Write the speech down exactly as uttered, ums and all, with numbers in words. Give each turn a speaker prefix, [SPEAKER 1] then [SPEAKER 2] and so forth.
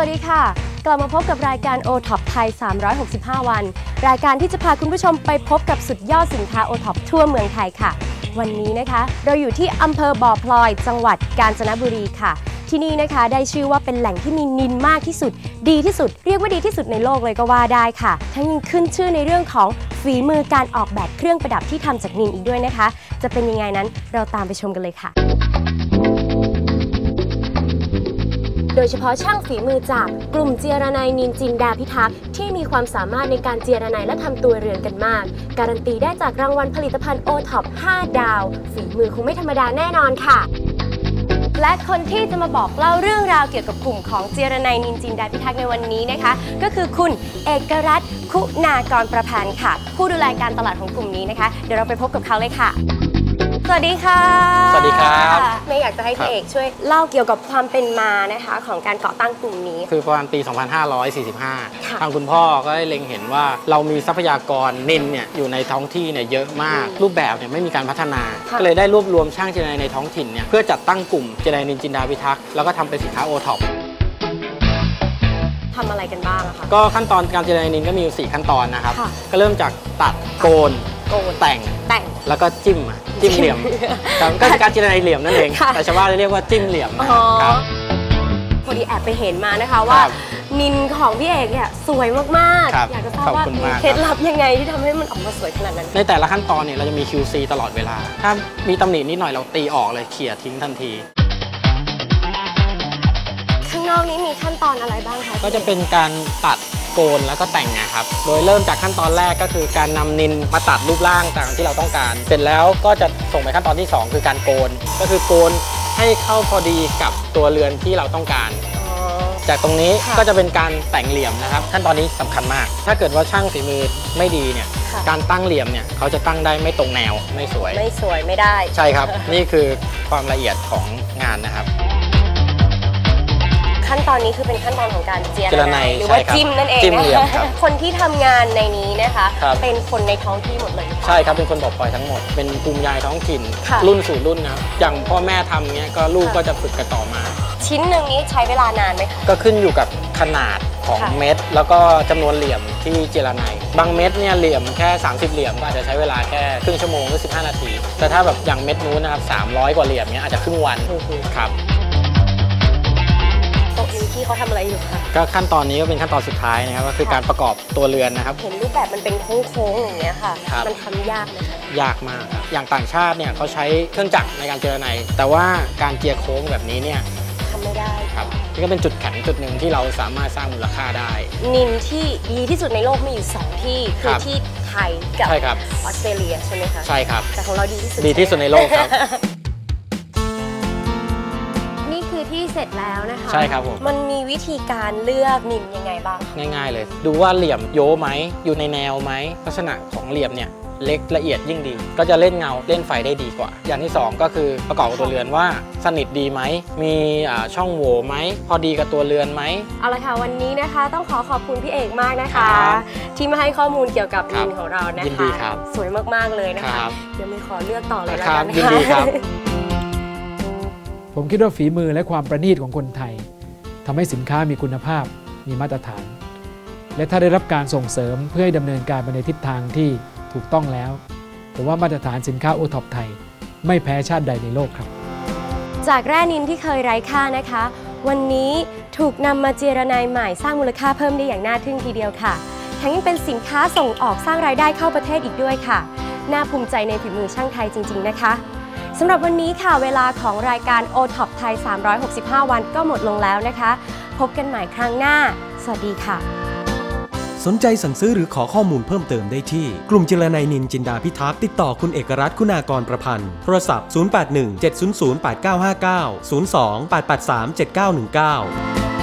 [SPEAKER 1] วัสดีค่ะกลับมาพบกับรายการ โอ ท็อป ไทย สามร้อยหกสิบห้า วันรายการที่จะพาคุณผู้ชมไปพบกับสุดยอดสินค้า โอ ท็อป ทั่วเมืองไทยค่ะวันนี้นะคะเราอยู่ที่อำเภอบ่อพลอยจังหวัดกาญจนบุรีค่ะที่นี่นะคะได้ชื่อว่าเป็นแหล่งที่มีนิลมากที่สุดดีที่สุดเรียกว่าดีที่สุดในโลกเลยก็ว่าได้ค่ะทั้งยังขึ้นชื่อในเรื่องของฝีมือการออกแบบเครื่องประดับที่ทำจากนิลอีกด้วยนะคะจะเป็นยังไงนั้นเราตามไปชมกันเลยค่ะโดยเฉพาะช่างฝีมือจากกลุ่มเจียรนัยนิลจินดาพิทักษ์ที่มีความสามารถในการเจียรนัยและทำตัวเรือนกันมากการันตีได้จากรางวัลผลิตภัณฑ์ โอ ท็อป ห้า ดาวฝีมือคงไม่ธรรมดาแน่นอนค่ะและคนที่จะมาบอกเล่าเรื่องราวเกี่ยวกับกลุ่มของเจียรนัยนิลจินดาพิทักษ์ในวันนี้นะคะก็คือคุณเอกรัตน์คุณากรประพันธ์ค่ะผู้ดูแลการตลาดของกลุ่มนี้นะคะเดี๋ยวเราไปพบกับเขาเลยค่ะสวัสดีค่ะ
[SPEAKER 2] สวัสดีครับ
[SPEAKER 1] เมย์อยากจะให้พี่เอกช่วยเล่าเกี่ยวกับความเป็นมานะคะของการก่อตั้งกลุ่มนี้
[SPEAKER 2] คือประมาณปี สองพันห้าร้อยสี่สิบห้า ทางคุณพ่อก็ได้เล็งเห็นว่าเรามีทรัพยากรนิลเนี่ยอยู่ในท้องที่เนี่ยเยอะมากรูปแบบเนี่ยไม่มีการพัฒนาก็เลยได้รวบรวมช่างเจรไนในท้องถิ่นเนี่ยเพื่อจัดตั้งกลุ่มเจรไนนิลจินดาพิทักษ์แล้วก็ทำเป็นสินค้า โอ ท็อป
[SPEAKER 1] ทำอะไรกันบ้างอะคะ
[SPEAKER 2] ก็ขั้นตอนการเจรไนนิลก็มีอยู่สี่ขั้นตอนนะครับก็เริ่มจากตัดโกนแต่ง
[SPEAKER 1] แต่ง
[SPEAKER 2] แล้วก็จิ้มจิ้มเหลี่ยมก็คือการเจรไนเหลี่ยมนั่นเองแต่ชาวบ้านเรียกว่าจิ้มเหลี่ยมครับ
[SPEAKER 1] พอดีแอบไปเห็นมานะคะว่านิลของพี่เอกเนี่ยสวยมากๆอยากจะทราบว่าเคล็ดลับยังไงที่ทำให้มันออกมาสวยขนาดนั้น
[SPEAKER 2] ในแต่ละขั้นตอนเนี่ยเราจะมี คิว ซี ตลอดเวลาถ้ามีตำหนินิดหน่อยเราตีออกเลยเขี่ยทิ้งทันที
[SPEAKER 1] ข้างนอกนี้มีขั้นตอนอะไรบ้างคะ
[SPEAKER 2] ก็จะเป็นการตัดโกนแล้วก็แต่งนะครับโดยเริ่มจากขั้นตอนแรกก็คือการนำนิลมาตัดรูปร่างต่างที่เราต้องการเสร็จแล้วก็จะส่งไปขั้นตอนที่สองคือการโกนก็คือโกนให้เข้าพอดีกับตัวเรือนที่เราต้องการจากตรงนี้ก็จะเป็นการแต่งเหลี่ยมนะครับขั้นตอนนี้สำคัญมากถ้าเกิดว่าช่างฝีมือไม่ดีเนี่ยการตั้งเหลี่ยมเนี่ยเขาจะตั้งได้ไม่ตรงแนวไม่สวย
[SPEAKER 1] ไม่สวยไม่ได้
[SPEAKER 2] ใช่ครับ นี่คือความละเอียดของงานนะครับ
[SPEAKER 1] ขั้นตอนนี้คือเป็นขั้นตอนของการเจียรนัยหรือว่าจิ้มนั่นเองนะคะคนที่ทำงานในนี้นะคะเป็นคนในท้องที่หมดเลย
[SPEAKER 2] ใช่ครับเป็นคนบ่อพลอยทั้งหมดเป็นภูมิยายท้องถิ่นรุ่นสู่รุ่นนะอย่างพ่อแม่ทำเนี้ยก็ลูกก็จะฝึกกันต่อมา
[SPEAKER 1] ชิ้นหนึ่งนี้ใช้เวลานานไหมคะ
[SPEAKER 2] ก็ขึ้นอยู่กับขนาดของเม็ดแล้วก็จำนวนเหลี่ยมที่เจรนัยบางเม็ดเนี่ยเหลี่ยมแค่สามสิบเหลี่ยมก็อาจจะใช้เวลาแค่ครึ่งชั่วโมงหรือสิบห้านาทีแต่ถ้าแบบอย่างเม็ดนู้นนะครับสามร้อยกว่าเหลี่ยมเนี้ยอาจจะครึ่งวันครับ
[SPEAKER 1] ที่เขาทำอะไรอยู่คะ
[SPEAKER 2] ก็ขั้นตอนนี้ก็เป็นขั้นตอนสุดท้ายนะครับก็คือการประกอบตัวเรือนนะครับ
[SPEAKER 1] เห็นรูปแบบมันเป็นโค้งๆอย่างเงี้ยค่ะมันทำยากไหมคะ
[SPEAKER 2] ยากมากครับอย่างต่างชาติเนี่ยเขาใช้เครื่องจักรในการเจรไนแต่ว่าการเจียโค้งแบบนี้เนี่ย
[SPEAKER 1] ทำไม่ได้
[SPEAKER 2] ครับนี่ก็เป็นจุดแข็งจุดหนึ่งที่เราสามารถสร้างมูลค่าได้
[SPEAKER 1] นิลที่ดีที่สุดในโลกมีอยู่สองที่คือที่ไทยกับออสเตรเลียใช่ไหมคะ
[SPEAKER 2] ใช่ครับ
[SPEAKER 1] แต่ของเราดีที่สุด
[SPEAKER 2] ดีที่สุดในโลกครับ
[SPEAKER 1] ที่เสร็จแล้วนะคะ
[SPEAKER 2] ใช่ครับผม
[SPEAKER 1] มันมีวิธีการเลือกนิลยังไงบ้าง
[SPEAKER 2] ง่ายๆเลยดูว่าเหลี่ยมโย้ไหมอยู่ในแนวไหมลักษณะของเหลี่ยมเนี่ยเล็กละเอียดยิ่งดีก็จะเล่นเงาเล่นไฟได้ดีกว่าอย่างที่สองก็คือประกอบกับตัวเรือนว่าสนิทดีไหมมีช่องโหว่ไหมพอดีกับตัวเรือนไหม
[SPEAKER 1] เอาละค่ะวันนี้นะคะต้องขอขอบคุณพี่เอกมากนะคะที่มาให้ข้อมูลเกี่ยวกับนิลของเรานะคะ
[SPEAKER 2] ยินดีครับ
[SPEAKER 1] สวยมากๆเลยนะคะเดี๋ยวมีขอเลือกต่อเลยแล้วกัน
[SPEAKER 2] ยินดีครับ
[SPEAKER 3] ผมคิดว่าฝีมือและความประณีตของคนไทยทำให้สินค้ามีคุณภาพมีมาตรฐานและถ้าได้รับการส่งเสริมเพื่อให้ดำเนินการไปในทิศทางที่ถูกต้องแล้วผมว่ามาตรฐานสินค้า โอ ท็อป ไทยไม่แพ้ชาติใดในโลกครับ
[SPEAKER 1] จากแร่นิลที่เคยไร้ค่านะคะวันนี้ถูกนำมาเจรไนใหม่สร้างมูลค่าเพิ่มได้อย่างน่าทึ่งทีเดียวค่ะทั้งยังเป็นสินค้าส่งออกสร้างรายได้เข้าประเทศอีกด้วยค่ะน่าภูมิใจในฝีมือช่างไทยจริงๆนะคะสำหรับวันนี้ค่ะเวลาของรายการ โอ ท็อป ไทย สามร้อยหกสิบห้า วันก็หมดลงแล้วนะคะพบกันใหม่ครั้งหน้าสวัสดีค่ะ
[SPEAKER 4] สนใจสั่งซื้อหรือขอข้อมูลเพิ่มเติมได้ที่กลุ่มเจรไนนิลจินดาพิทักษ์ติดต่อคุณเอกรัตน์คุณากรประพันธ์โทรศัพท์ศูนย์ แปด หนึ่ง เจ็ด ศูนย์ ศูนย์ แปด เก้า ห้า เก้า ศูนย์ สอง แปด แปด สาม เจ็ด เก้า หนึ่ง เก้า